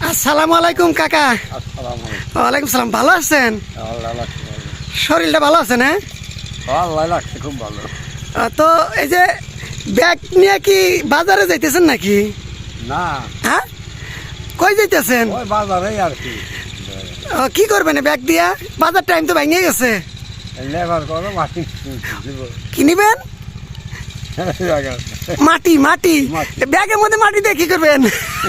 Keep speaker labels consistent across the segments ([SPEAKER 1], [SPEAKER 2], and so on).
[SPEAKER 1] আসসালামু আলাইকুম কাকা। ওয়ালাইকুম সালাম। ভালো আছেন? শরীরটা ভালো আছে না?
[SPEAKER 2] খুব ভালো।
[SPEAKER 1] তো এই যে ব্যাগ নিয়ে কি বাজারে যাইতেছেন নাকি?
[SPEAKER 2] না,
[SPEAKER 1] হ্যাঁ, কই যাইতেছেন?
[SPEAKER 2] ওই বাজারে আর কি।
[SPEAKER 1] কি করবেন ব্যাগ দিয়া? বাজার টাইম তো ভেঙে গেছে।
[SPEAKER 2] লেবার করো, মাটি
[SPEAKER 1] কি নিবেন? মাটি মাটি ব্যাগের মধ্যে মাটি দিয়ে কি করবেন?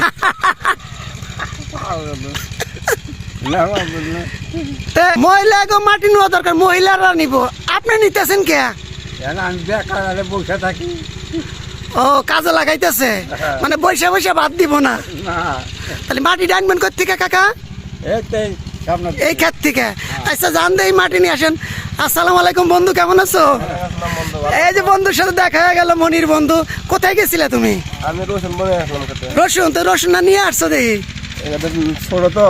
[SPEAKER 1] মহিলা মাটি নেওয়া দরকার, মহিলারা নিব, আপনি নিতেছেন কে?
[SPEAKER 2] আমি বেকার বসে থাকি।
[SPEAKER 1] ও, কাজে লাগাইতেছে, মানে বৈশা বৈশা বাদ দিব না। তাহলে মাটি ডানবেন কোথেকে কাকা? এই ক্ষেত থেকে। আচ্ছা, জান দেই মাটি নিয়ে আসেন। আসসালামু আলাইকুম বন্ধু, কেমন আছো? এই যে বন্ধুর সাথে দেখা হয়ে গেল, মনির বন্ধু। কোথায় গেছিলে তুমি?
[SPEAKER 2] আমি রসুন বনে আসলাম।
[SPEAKER 1] রসুন? তো রসুন না নিয়ে আসছো দেখি।
[SPEAKER 2] ছোট তো,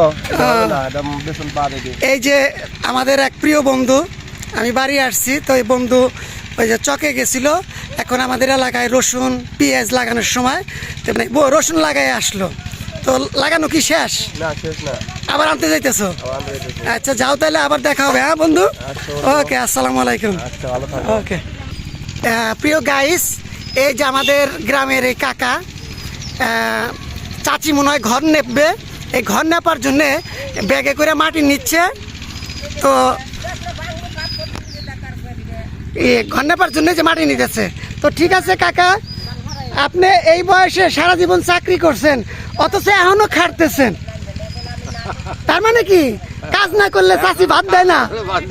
[SPEAKER 1] এই যে আমাদের এক প্রিয় বন্ধু, আমি বাড়ি আসছি তো এই বন্ধু ওই যে চকে গেছিল, এখন আমাদের এলাকায় রসুন পেঁয়াজ লাগানোর সময় মানে রসুন লাগাই আসলো। তো লাগানো কি শেষ?
[SPEAKER 2] না, শেষ না,
[SPEAKER 1] আবার আনতে যাইতেছো? আচ্ছা, যাও তাহলে, আবার দেখা হবে। হ্যাঁ বন্ধু, ওকে, আসসালামু আলাইকুম। ওকে। প্রিয় গাইস, এই যে আমাদের গ্রামের এই কাকা, চাচি মনে হয় ঘর নেপবে। এই ঘর নেপার জন্যে ব্যাগে করে মাটি নিচ্ছে। তো ঘর নেপার জন্য যে মাটি নিতেছে। তো ঠিক আছে কাকা, আপনি এই বয়সে সারা জীবন চাকরি করছেন, অথচ এখনো খাটতেছেন। তার মানে কি কাজ না করলে চাচি ভাত দেয় না?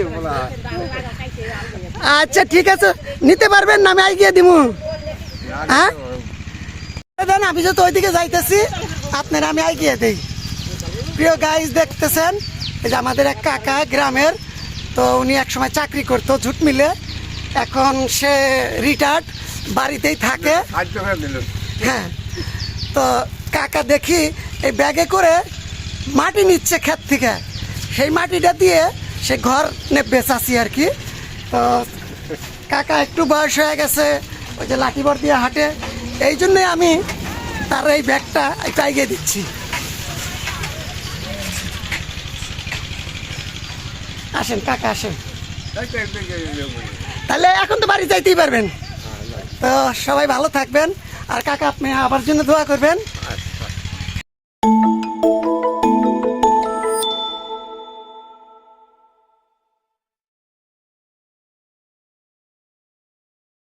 [SPEAKER 1] আচ্ছা ঠিক আছে, নিতে পারবেন না? আমি আইগিয়ে দিব। হ্যাঁ, আমি যত ওইদিকে যাইতেছি, আপনারা আমি আইগিয়ে দিই। প্রিয় গাইস, দেখতেছেন এই যে আমাদের এক কাকা গ্রামের, তো উনি একসময় চাকরি করতো ঝুট মিলে, এখন সে রিটায়ার্ড, বাড়িতেই থাকে। হ্যাঁ, তো কাকা দেখি এই ব্যাগে করে মাটি নিচ্ছে ক্ষেত থেকে, সেই মাটিটা দিয়ে সে ঘর নেবে চাষি আর কি। তো কাকা একটু বয়স হয়ে গেছে, ওই যে লাঠিবর দিয়ে হাঁটে, এই জন্যে আমি তার এই ব্যাগটা একটু এগিয়ে দিচ্ছি। আসেন কাকা, আসেন। তাহলে এখন তো বাড়ি যাইতেই পারবেন। তো সবাই ভালো থাকবেন, আর কাকা আপনি আবার জন্য দোয়া করবেন।